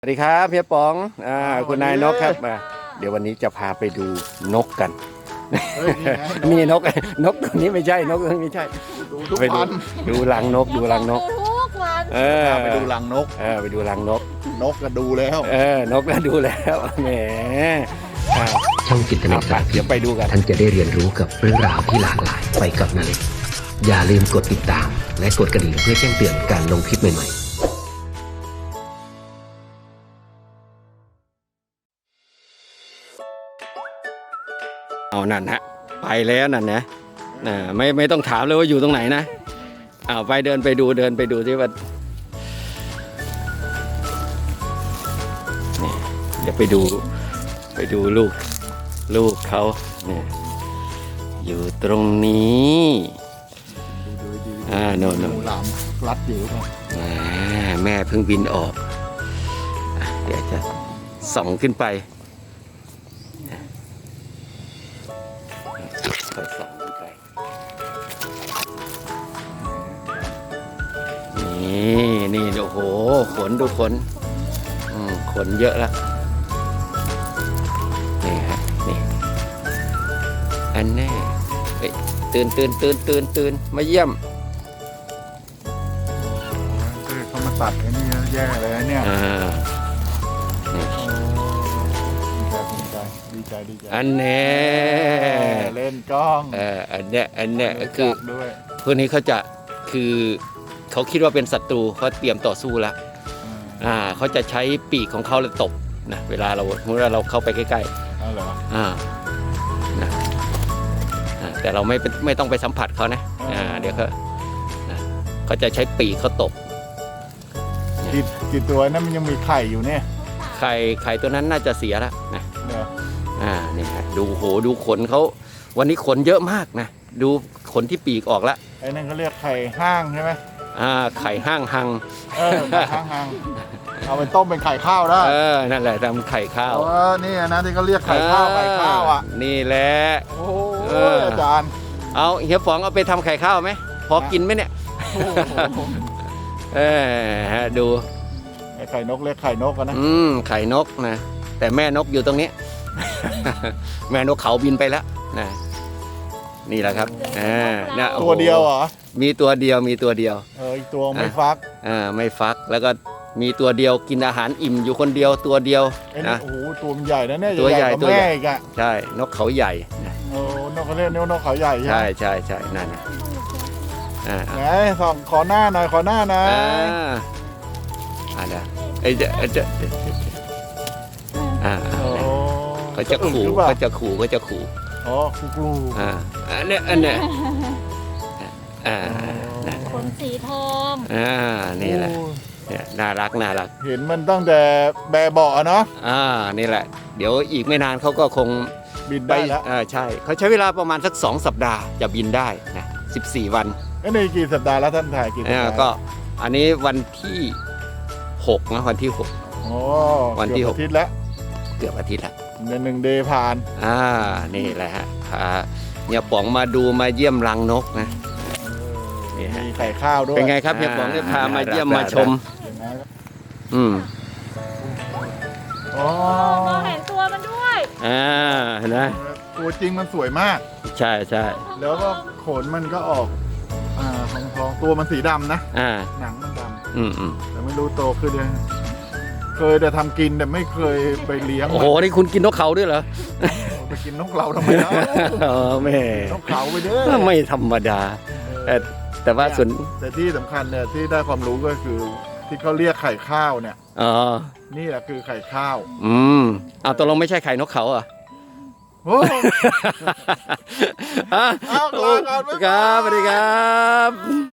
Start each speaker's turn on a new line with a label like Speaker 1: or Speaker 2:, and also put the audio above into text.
Speaker 1: สวัสดีครับเฮียป๋องคุณนายนกครับเดี๋ยววันนี้จะพาไปดูนกกันนี่นกตัวนี้ไม่ใช่นกตัวนี้ไม่ใช่ไปดูรังนกดูรังนก
Speaker 2: ไปดูรังนก
Speaker 1: ไปดูรังนก
Speaker 2: นกก็ดูแล้ว
Speaker 1: นกก็ดูแล้วแหม
Speaker 3: ช่องจิตนาการ
Speaker 1: เดี๋ยวไปดูกัน
Speaker 3: ท่านจะได้เรียนรู้กับเรื่องราวที่หลากหลายไปกับนาเล็กอย่าลืมกดติดตามและกดกระดิ่งเพื่อแจ้งเตือนการลงคลิปใหม่ๆ
Speaker 1: เอานั่นฮะไปแล้วนั่นนะไม่ต้องถามเลยว่าอยู่ตรงไหนนะไปเดินไปดูที่ว่าเดี๋ยวไปดูลูกเขาเนี่ยอยู่ตรงนี้โน่น
Speaker 2: หลามรัดอยู่
Speaker 1: แม่เพิ่งบินออกเดี๋ยวจะส่องขึ้นไปส่องขึ้นไปนี่โอ้โหขนดูขนขนเยอะแล้วนี่ฮะนี่อันแน่ตื่นมาเยี่ยม
Speaker 2: เขามาตัดไอ้นี่แย่เลยเนี่ยดีใจ
Speaker 1: อันแน่
Speaker 2: เล่นกล้อง
Speaker 1: อันเนี้ยคือพวกนี้คือเขาคิดว่าเป็นศัตรูเขาเตรียมต่อสู้แล้วเขาจะใช้ปีกของเขาเลยตบนะเวลาเราเข้าไปใกล้
Speaker 2: ๆเหรอ
Speaker 1: นะแต่เราไม่ต้องไปสัมผัสเขานะเดี๋ยวเขาจะใช้ปีกเขาตบ
Speaker 2: กี่ตัวนั้นมันยังมีไข่อยู่เนี่ย
Speaker 1: ไข่ตัวนั้นน่าจะเสียแล้วนะนี่ฮะดูขนเขาวันนี้ขนเยอะมากนะดูขนที่ปีกออกแล้ว
Speaker 2: ไอ้นั่นเขาเรียกไข่ห้างใช่ไหม
Speaker 1: ไข่ห้างหัง
Speaker 2: ไข่ห้างเอาไปต้มเป็นไข่ข้าวได้
Speaker 1: นั่นแหละทำไข่ข้าว
Speaker 2: นี่นะที่เขาเรียกไข่ข้าว
Speaker 1: นี่แหละ
Speaker 2: โอ้อาจารย์
Speaker 1: เอาเฮียป๋องเอาไปทำไข่ข้าวไหมพอกินไหมเนี่ยดู
Speaker 2: ไข่นกเรียกไข่นกกันนะ
Speaker 1: ไข่นกนะแต่แม่นกอยู่ตรงนี้แม่นกเขาบินไปแล้วนะนี่แหละครับ
Speaker 2: ตัวเดียวเหรอ
Speaker 1: มีตัวเดียว
Speaker 2: อีกตัวไม่ฟัก
Speaker 1: ไม่ฟักแล้วก็มีตัวเดียวกินอาหารอิ่มอยู่คนเดียวตัวเดียว
Speaker 2: นะโอ้โหตัวมันใหญ่นะเนี่ย
Speaker 1: ตัวใหญ่
Speaker 2: ตัวใหญ่อีก
Speaker 1: ใช่นกเขาใหญ่
Speaker 2: นกเขาเรียกนกเขาใหญ่
Speaker 1: ใช่นั่น
Speaker 2: ไหนส่องขอหน้าหน่อยเ
Speaker 1: ดี๋ยวเขาจะขู่
Speaker 2: อ๋อขู่
Speaker 1: อันเนี้ย
Speaker 4: ขนสีทอง
Speaker 1: นี่แหละน่ารัก
Speaker 2: เห็นมันตั้งแต่แบเบาะเนาะ
Speaker 1: นี่แหละเดี๋ยวอีกไม่นานเขาก็คง
Speaker 2: บินได้แล้ว
Speaker 1: ใช่เขาใช้เวลาประมาณสัก2 สัปดาห์จะบินได้นะ14 วัน
Speaker 2: นี่กี่สัปดาห์แล้วท่านถ่ายกี่สัปดาห์
Speaker 1: ก็อันนี้วันที่6นะวันที่6วันที่6
Speaker 2: อาทิตย์แล้ว
Speaker 1: เกือบอาทิตย์ละ
Speaker 2: 1 เดย์ผ่าน
Speaker 1: นี่แหละฮะเนี่ยป๋องมาดูมาเยี่ยมรังนกนะ
Speaker 2: มีไข่ข้าวด้วย
Speaker 1: เป็นไงครับเนี่ยป๋องได้พามาเยี่ยมมาชม
Speaker 4: เห็นตัวมันด้วย
Speaker 1: เห็นไหม
Speaker 2: ตัวจริงมันสวยมาก
Speaker 1: ใช่
Speaker 2: แล้วก็ขนมันก็ออกทองตัวมันสีดำนะหนังมันดำแต่ไม่รู้โตขึ้นยังเคยแต่ทำกินแต่ไม่เคยไปเลี้ยง
Speaker 1: โอ้โหนี่คุณกินนกเขาด้วยเหรอ
Speaker 2: ไปกินนกเราทำไมนะ
Speaker 1: แม่
Speaker 2: นกเขาไปเด้อ
Speaker 1: ไม่ธรรมดาแต่ว่าส่วน
Speaker 2: แต่ที่สำคัญเนี่ยที่ได้ความรู้ก็คือที่เขาเรียกไข่ข้าวเนี่ยนี่แหละคือไข่ข้าว
Speaker 1: ตกลงไม่ใช่ไข่นกเขาอ่ะ
Speaker 2: โอ้
Speaker 1: ครับสวัสดีครับ